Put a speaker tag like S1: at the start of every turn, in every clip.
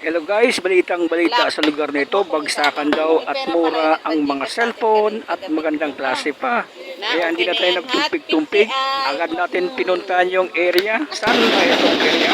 S1: Hello guys, balitang balita sa lugar nito, bagsakan daw at mura ang mga cellphone at magandang klase pa. Kaya hindi na tayo nagtumpik-tumpik, agad natin pinuntahan yung area. Saan ba itong area?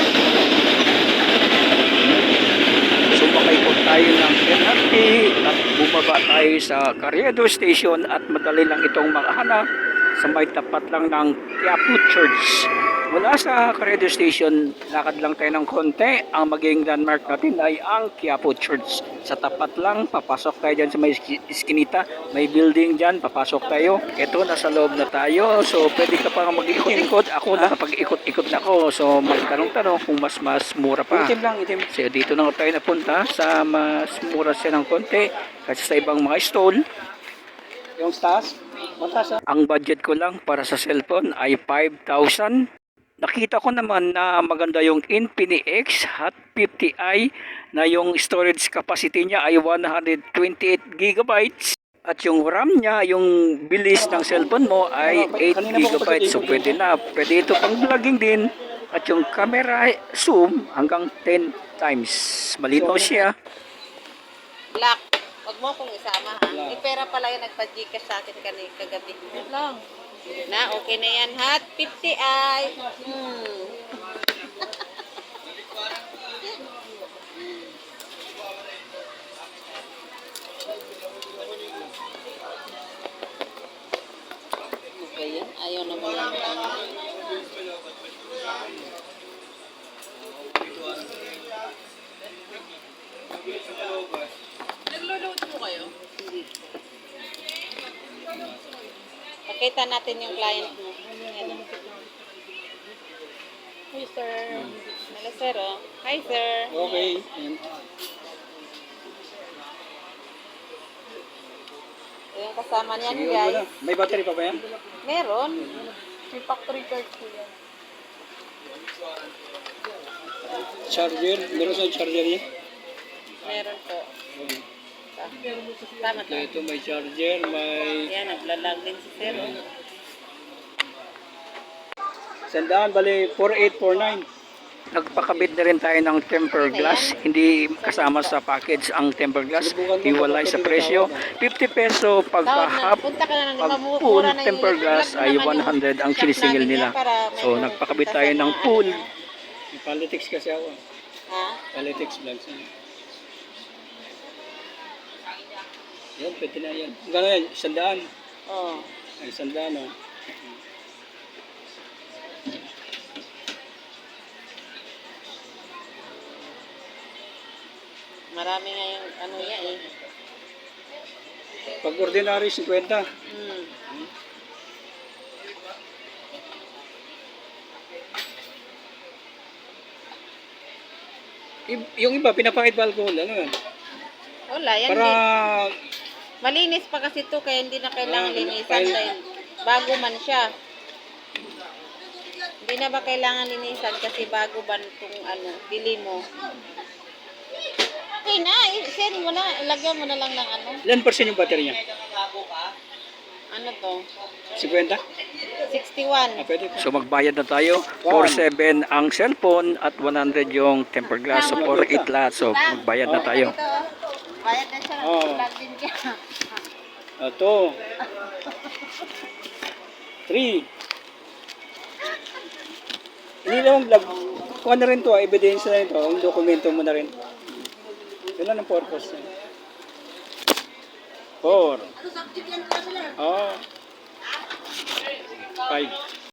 S1: Sumakay po tayo ng MRT at bumaba tayo sa Carriedo Station at madali lang itong makahanap sa may tapat lang ng Quiapo Church. Mula sa Carriedo Station, lakad lang tayo ng konti. Ang magiging landmark natin ay ang Quiapo Church. Sa tapat lang, papasok tayo dyan sa may iskinita. May building dyan, papasok tayo. Ito, nasa loob na tayo. So, pwede ka pa mag-ikot-ikot. Ako, nakapag-ikot-ikot na ako. So, magtanong-tanong kung mas mura pa.
S2: Itim lang, itim.
S1: So, dito na tayo napunta sa mas mura siya ng konti. Kasi sa ibang mga stall,
S2: Yung taas? Mataas ah.
S1: ang budget ko lang para sa cellphone ay 5,000. Nakita ko naman na maganda yung Infinix Hot 50i na yung storage capacity niya ay 128 gigabytes. At yung RAM niya, yung bilis ng cellphone mo ay 8 gigabytes. So pwede na. Pwede ito pang vlogging din. At yung camera zoom hanggang 10 times. Malinaw siya.
S3: Black. Huwag mo akong isama ha. May pera pala yung nagpa-Gcash sa akin kagabi. Yun lang. Na, okay na yan. Hot 50i. Okay yan. Ayaw na mo lang. Naglo-load mo kayo? Hindi. Pakita natin yung client mo. Ayan. Hi, sir. Hello, sir. Oh. Hi, sir.
S2: Okay. Ayan.
S3: Yung kasama niyan,
S2: Sige, wala.
S3: guys.
S2: May battery pa ba yan?
S3: Meron. May factory card po yan.
S2: Charger? Meron sa charger yan?
S3: Meron po. Tama
S2: So,
S3: to.
S2: ito may charger, may...
S3: Yan, naglalag din si sir. Oh.
S2: Sandaan, bali 4849.
S1: Nagpakabit na rin tayo ng tempered glass. Hindi kasama sa package ang tempered glass. Hiwalay sa presyo. 50 peso pagka half.
S3: Punta ka na
S1: Pag
S3: ng
S1: full tempered glass ay 100 ang sinisingil nila. So nagpakabit tayo ng full.
S2: May politics kasi ako.
S3: Ha?
S2: Politics vlogs. Yan, pwede na yan. Gano'n yan? Sandaan.
S3: Oo.
S2: Ay, sandaan oh.
S3: Marami nga yung ano yan eh.
S2: Pag ordinary, 50. Yung iba, pinapakit ba alcohol? Ano yan?
S3: Wala, yan
S2: Para...
S3: din. Malinis pa kasi to kaya hindi na kailangan linisan dahil bago man siya. Hindi na ba kailangan linisan kasi bago ba itong ano, bili mo. Okay na, send mo na, ilagyan mo na lang ng ano.
S2: Ilan percent yung battery niya?
S3: Ano to?
S2: 50?
S3: 61.
S2: Pwede pa.
S1: So magbayad na tayo. 47 ang cellphone at 100 yung tempered glass. So 48 lahat. So magbayad na tayo.
S3: Ito, bayad na siya.
S2: Oo.
S3: Vlog din siya.
S2: Ito. 3. Hindi lang vlog. Kuha na rin to, evidence na ito. Ang dokumento mo na rin. Yun lang ang purpose. 4. Oh. 5.